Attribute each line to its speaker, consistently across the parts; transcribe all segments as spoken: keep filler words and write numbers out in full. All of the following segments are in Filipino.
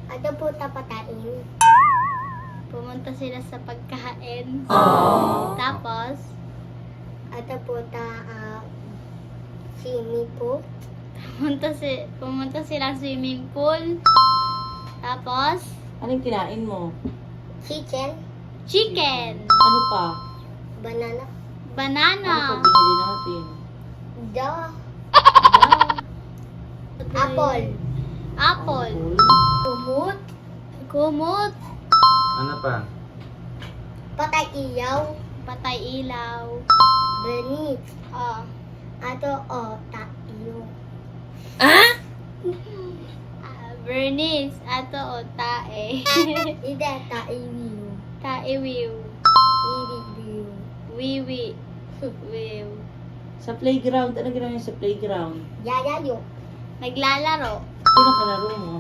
Speaker 1: Ano po tapatain?
Speaker 2: Pumunta sila sa pagkain.
Speaker 3: Aww.
Speaker 2: Tapos,
Speaker 1: Ano po ta uh, simi po?
Speaker 2: pumunta, si, pumunta sila swimming pool. Tapos,
Speaker 3: Anong kinain mo?
Speaker 1: Chicken?
Speaker 2: chicken.
Speaker 3: Ano pa?
Speaker 1: Banana?
Speaker 3: Ano pa
Speaker 2: Banana.
Speaker 3: binili natin?
Speaker 1: Da?
Speaker 2: Apple.
Speaker 1: Apple?
Speaker 2: Apple.
Speaker 1: Kumut?
Speaker 2: Kumot.
Speaker 4: Ano pa?
Speaker 1: Patay iyaw?
Speaker 2: Patay ilaw.
Speaker 1: Benit?
Speaker 2: Oh.
Speaker 1: Ato o tayo?
Speaker 2: Ah, Bernice. Ato o tae.
Speaker 1: Ida tayo.
Speaker 2: Tae wiw.
Speaker 1: Iri
Speaker 2: Wiwi. Wiw.
Speaker 3: Sa playground, ano ginawa niyo sa playground?
Speaker 1: Yayayo?
Speaker 2: Naglalaro.
Speaker 3: Sino kalaro mo?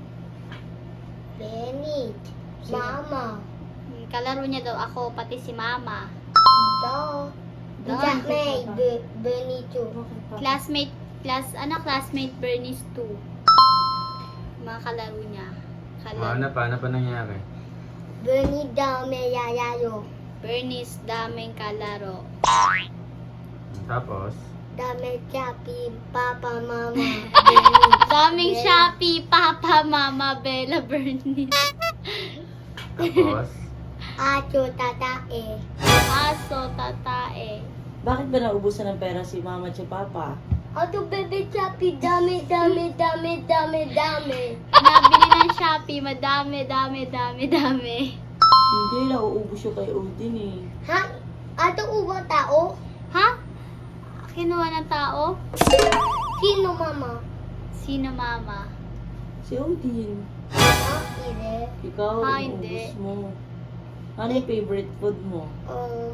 Speaker 1: Benit?
Speaker 3: Sino?
Speaker 1: Mama?
Speaker 2: Kalaro niya daw ako, pati si mama.
Speaker 1: Da?
Speaker 2: Da.
Speaker 1: Da may be- Benito?
Speaker 2: Classmate, class, ano, classmate Bernice two. Mga kalaro niya.
Speaker 4: O,
Speaker 2: Kalaro.
Speaker 4: ano pa? Ano pa nangyari?
Speaker 1: Benit daw may yayayo?
Speaker 2: Bernice, daming kalaro.
Speaker 4: Tapos,
Speaker 1: Dami chapi, papa, mama, Benit.
Speaker 2: Daming
Speaker 1: Bella.
Speaker 2: Shopee, Papa, Mama, Bella, Bernice.
Speaker 4: tapos,
Speaker 1: Acho tatae.
Speaker 2: Aso, tatae.
Speaker 3: Bakit ba naubusan ng pera si mama at si papa?
Speaker 1: Ato bebe chapi, dami, dami, dami, dami, dami.
Speaker 2: Nabili ng Shopee, madami, dami, dami, dami.
Speaker 3: Hindi, nauubos yung kay Odin eh.
Speaker 1: Ha? Ato uwa tao?
Speaker 2: Ha? Kinuha ng tao?
Speaker 1: Sino mama?
Speaker 2: Sino mama?
Speaker 3: Si Odin.
Speaker 1: Ah, ire.
Speaker 3: Ikaw,
Speaker 2: Ah,
Speaker 3: nauubos
Speaker 2: hindi.
Speaker 3: mo. Ano yung favorite food mo?
Speaker 1: Um,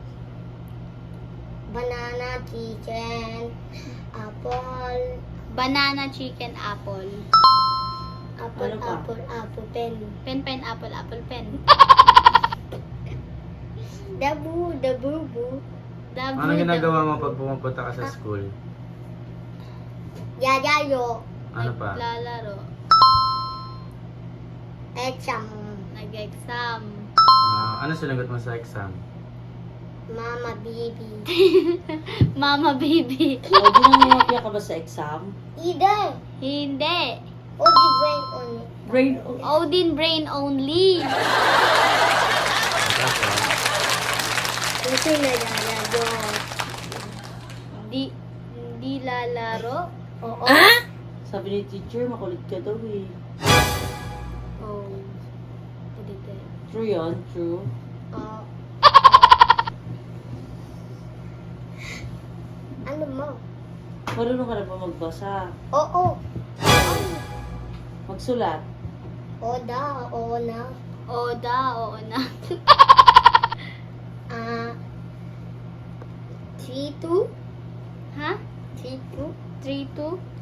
Speaker 1: banana, chicken, apple,
Speaker 2: Banana, chicken, apple.
Speaker 1: apple,
Speaker 3: Ano pa?
Speaker 1: apple, apple, pen.
Speaker 2: Pen, pen, apple, apple, pen.
Speaker 1: Dabu, dabu, bu.
Speaker 2: Dabu,
Speaker 4: ano ginagawa mo
Speaker 2: dabu.
Speaker 4: pag pumupunta ka sa school?
Speaker 1: Yayayo.
Speaker 4: Ano pa?
Speaker 2: Naglalaro.
Speaker 1: Exam.
Speaker 2: Nag-exam.
Speaker 4: Ah, ano sinagot mo sa exam?
Speaker 1: Mama, baby.
Speaker 2: Mama, baby.
Speaker 3: Odin, nangungapya ka ba sa exam?
Speaker 1: Ide.
Speaker 2: Hindi.
Speaker 1: O di brain on it.
Speaker 3: Brain,
Speaker 2: Odin brain only.
Speaker 4: Tapos,
Speaker 1: Kasi naglalaro.
Speaker 2: Hindi, hindi lalaro.
Speaker 1: Oo.
Speaker 3: sabi ni teacher, makulit ka daw eh.
Speaker 2: Oh. Ulit eh.
Speaker 3: True yun, true.
Speaker 1: Oo. Ano mo?
Speaker 3: Marunong ka na ba magbasa?
Speaker 1: Oo.
Speaker 3: Magsulat?
Speaker 1: O da, oo na.
Speaker 2: Oda, oo na.
Speaker 1: Ah. three two?
Speaker 2: Ha?
Speaker 1: three two?
Speaker 2: three two?